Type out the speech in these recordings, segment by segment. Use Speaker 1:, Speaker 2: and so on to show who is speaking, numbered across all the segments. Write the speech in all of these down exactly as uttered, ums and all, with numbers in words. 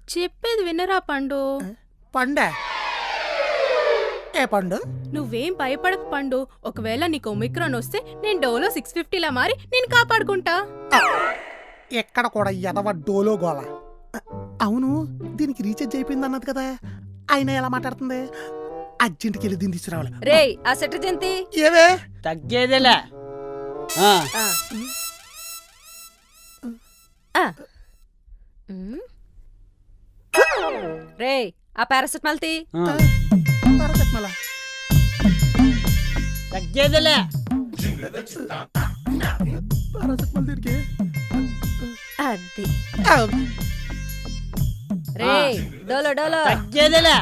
Speaker 1: చెప్పేది వినరా పండు.
Speaker 2: పండే ఏ పండు?
Speaker 1: నువ్వేం భయపడక పండు. ఒకవేళ నీకు ఒమిక్రాన్ వస్తే నేను డోలో సిక్స్ ఫిఫ్టీలా మారి నేను కాపాడుకుంటా.
Speaker 2: ఎక్కడ కూడా ఎదవ డోలో గోల. అవును, దీనికి రీఛార్జ్ అయిపోయింది అన్నది కదా, ఆయన ఎలా మాట్లాడుతుంది? అర్జెంట్కి వెళ్ళి దీన్ని తీసుకురావాలి.
Speaker 3: రే ఆ సెటజంతి
Speaker 2: ఏవే
Speaker 4: తగ్గేదేలే.
Speaker 3: రే ఆ పారాసెటమాల్ తీ.
Speaker 2: పారాసెటమాల్
Speaker 4: తగ్గేదేలే.
Speaker 2: పారాసెటమాల్ దీనికి
Speaker 3: అది. రే డోలో డోలో.
Speaker 4: తగ్గేదేలే.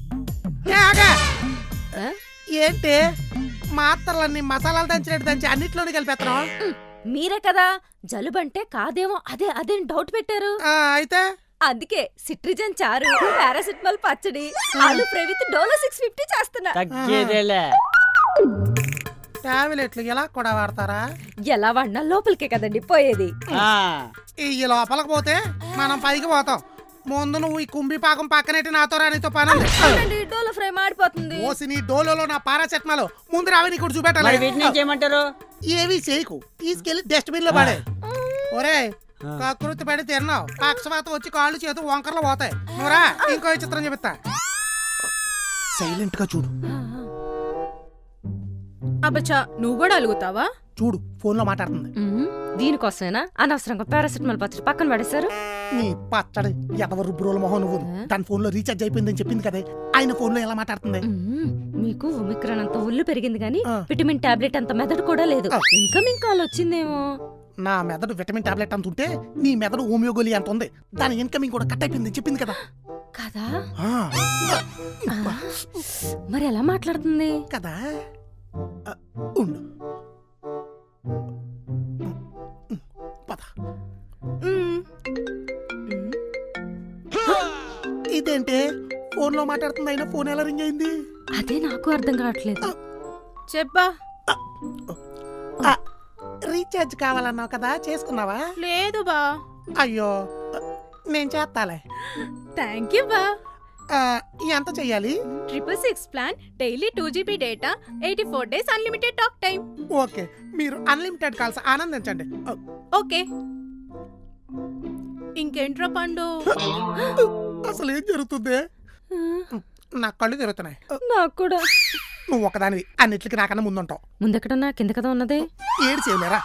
Speaker 2: ఏంటి మాత్రలన్నీ మసాలాలు దంచినట్టు దంచి అన్నిట్లోనే కలిపేస్తున్నాం?
Speaker 3: మీరే కదా జలుబంటే కాదేమో అదే అదే డౌట్ పెట్టారు.
Speaker 2: అయితే
Speaker 3: అందుకే సిట్రిజన్ చారు, పారాసెటమాల్ పచ్చడి, aloo fry with Dolo six fifty చేస్తున్నా.
Speaker 4: తగ్గేదేలే.
Speaker 2: టాబ్లెట్లు ఎలా కూడా వాడతారా?
Speaker 3: ఎలా వాడినా లోపలికే కదండి పోయేది.
Speaker 2: ఈ లోపలికి పోతే మనం పైకి పోతాం. ముందు నువ్వు ఈ కుంభి పాకం పక్కనెట్టి నాతో రానితో పని.
Speaker 3: డోలో ఫ్రై మాడిపోతుంది.
Speaker 2: ఓసి నీ డోలో నా పారాసెటమాల్ ముందు రావి నీకు చూపెట్టాలి.
Speaker 4: వీటిని చేయమంటారు?
Speaker 2: ఏవి చేయకు, తీసుకెళ్లి డస్ట్బిన్ లో పడే. ఒరే కకృతి పడి తిన్నావు, పక్షవాతం వచ్చి కాళ్ళు చేతు వంకర్లు పోతాయి. నువ్వురా ఇంకో చిత్రం చెప్తా. సైలెంట్ గా చూడు.
Speaker 1: అబ్బచ్చా నువ్వు కూడా అలుగుతావా?
Speaker 2: చూడు ఫోన్ లో మాట్లాడుతుంది.
Speaker 3: దీనికోసమేనా అనవసరంగా పారాసెటమాల్ పచ్చడి పక్కన పడేశారు?
Speaker 2: నీ పచ్చడి ఎదవ రుబ్రోల మొహం నువ్వు. తన ఫోన్ లో రీఛార్జ్ అయిపోయిందని చెప్పింది కదా, ఆయన ఫోన్ లో ఎలా మాట్లాడుతుంది?
Speaker 3: మీకు ఒమిక్రాన్ అంత ఒళ్ళు పెరిగింది గానీ విటమిన్ టాబ్లెట్ అంత మెదడు కూడా లేదు. ఇన్కమింగ్ కాల్ వచ్చిందేమో.
Speaker 2: నా మెదడు విటమిన్ టాబ్లెట్ అంత ఉంటే నీ మెదడు హోమియోగోలి అంత ఉంది. దాని ఇన్కమింగ్ కూడా కట్ అయిపోయింది చెప్పింది కదా.
Speaker 3: కదా మరి ఎలా మాట్లాడుతుంది
Speaker 2: కదా? ఉండు పద. ఇదేంటి ఫోన్ లో మాట్లాడుతుంది, అయినా ఫోన్ ఎలా రింగ్ అయింది?
Speaker 3: అదే నాకు అర్థం కావట్లేదు.
Speaker 1: చెప్పా.
Speaker 2: రీఛార్జ్ కావాలన్నావు కదా, చేసుకున్నావా?
Speaker 1: లేదు బా.
Speaker 2: అయ్యో నేను చేస్తాలే.
Speaker 1: థ్యాంక్ యూ బా.
Speaker 2: ఎంత చెయ్యాలి?
Speaker 1: Triple six plan, daily two GB data, eighty four days unlimited talk time.
Speaker 2: Okay, మీరు అన్లిమిటెడ్ కాల్స్ ఆనందించండి.
Speaker 1: ఓకే. ఇంకేంట్రా పండు?
Speaker 2: అసలు ఏం జరుగుతుంది? నా కళ్ళు తిరుగుతున్నాయి.
Speaker 3: నాకు కూడా.
Speaker 2: నువ్వు ఒకదానివి, అన్నిటికి నాకన్నా ముందుంటావు.
Speaker 3: ముందెక్కడన్నా కింద కదా ఉన్నది.
Speaker 2: ఏడు చేయలేరా?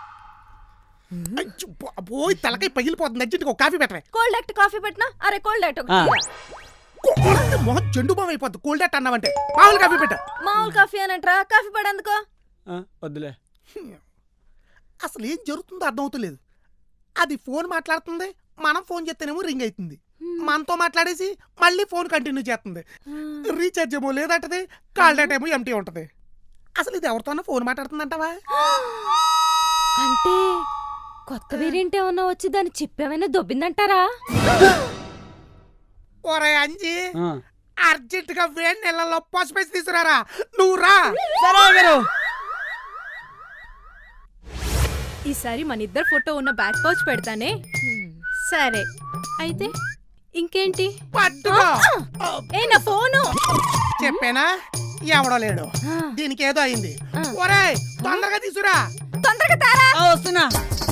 Speaker 2: పోయి తలకాయ పగిలిపోతుంది. అర్జెంట్గా ఒక కాఫీ పెట్టవే.
Speaker 3: కోల్డ్ యాక్ట్ కాఫీ పెట్టినా? అరే కోల్డ్ యాక్ట్
Speaker 2: మొహం జెండు బామ్ అయిపోద్ది. కోల్డ్ యాక్ట్ అన్నావంటే మామూలు కాఫీ పెట్ట.
Speaker 3: మామూలు కాఫీ అనంటరా? కాఫీ పడేందుకో?
Speaker 4: వద్దులే.
Speaker 2: అసలు ఏం జరుగుతుందో అర్థమవుతలేదు. అది ఫోన్ మాట్లాడుతుంది, మనం ఫోన్ చేస్తేనేమో రింగ్ అవుతుంది. మనతో మాట్లాడేసి మళ్ళీ ఫోన్ కంటిన్యూ చేస్తుంది. రీఛార్జ్ ఏమో లేదంటది, కాల్ డేటా ఏమో ఎంటీ ఉంటది. అసలు ఇది ఎవరితోనో ఫోన్ మాట్లాడుతుందంటావా?
Speaker 3: అంటే కొత్త వేరియంట్ ఏమన్నా వచ్చి దాని చిప్ ఏమైనా దొబ్బిందంటారా?
Speaker 2: ఒరే అంజీ, అర్జెంట్ గా వేడి నెలల్లో పసుపేసి తీసుకురారా. నువ్వు రా.
Speaker 1: ఈసారి మన ఇద్దరు ఫోటో ఉన్న బ్యాక్ పౌచ్ పెడతానే. సరే అయితే ఇంకేంటి?
Speaker 2: పట్టుకో.
Speaker 1: ఏ నా ఫోను.
Speaker 2: చెప్పేనా ఎవడో లేడు, దీనికి ఏదో అయింది. ఒరే తొందరగా తీసుకురా.
Speaker 3: తొందరగా తారా.
Speaker 4: వస్తున్నా.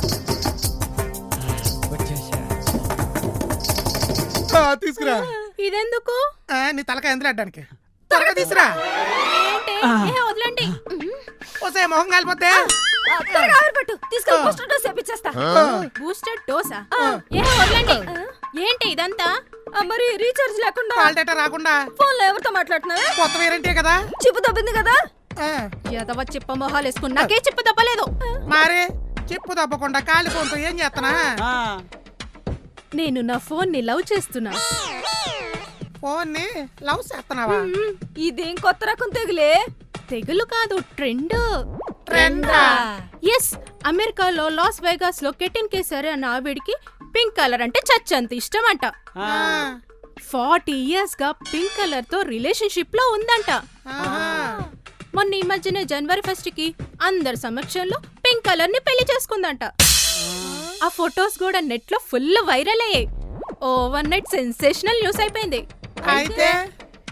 Speaker 2: తీసుకురా.
Speaker 1: ఇదెందుకు?
Speaker 2: నీ తలకాయ ఎందుకు అడ్డానికి. త్వరగా తీసుకురా.
Speaker 1: ఏంటి? వదలండి.
Speaker 2: వస్తే మొహం కాలిపోతే
Speaker 3: తీసుకెళ్ళి బూస్టర్ డోస్ వేపిచ్చేస్తా.
Speaker 1: బూస్టర్ డోసా? ఏ వదలండి. ఏంటి ఇదంతా?
Speaker 3: మరి రీఛార్జ్ లేకుండా,
Speaker 2: కాల్ డేటా రాకుండా
Speaker 3: ఫోన్ లో ఎవరితో మాట్లాడుతున్నావే?
Speaker 2: కొత్త వేరంటే కదా.
Speaker 3: చిప్పు దొబ్బింది కదా.
Speaker 1: ఎదవ చిప్ప మొహాలు వేసుకుని నాకే చిప్పు దప్పలేదు.
Speaker 2: మరి చిప్పు దప్పకుండా కాలి ఫోన్తో ఏం చేస్తానా?
Speaker 1: నేను నా ఫోన్ ని లవ్ చేస్తున్నా.
Speaker 2: ఫోన్ ని లవ్ చేస్తున్నావా?
Speaker 3: ఇదేం కొత్త రకం తెగులే?
Speaker 1: తెగులు కాదు, ట్రెండ్.
Speaker 2: ట్రెండా?
Speaker 1: ఎస్. అమెరికాలో లాస్ వేగాస్ లో కెటిన్ కేసరి అన్న ఆవిడికి పింక్ కలర్ అంటే చచ్చంత ఇష్టం అంట. ఫార్టీ ఇయర్స్ గా పింక్ కలర్ తో రిలేషన్షిప్ లో ఉందంట. మొన్న ఈ మధ్యనే జనవరి ఫస్ట్ కి అందరి సమక్షంలో పింక్ కలర్ ని పెళ్లి చేసుకుందంట. ఆ ఫొటోస్ కూడా నెట్ లో ఫుల్ వైరల్ అయ్యాయి. ఓవర్ నైట్ సెన్సేషనల్ న్యూస్ అయిపోయింది.
Speaker 2: అయితే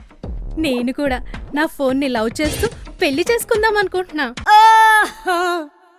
Speaker 1: నేను కూడా నా ఫోన్ ని లవ్ చేస్తూ పెళ్లి చేసుకుందాం అనుకుంటున్నా.
Speaker 4: ఆ!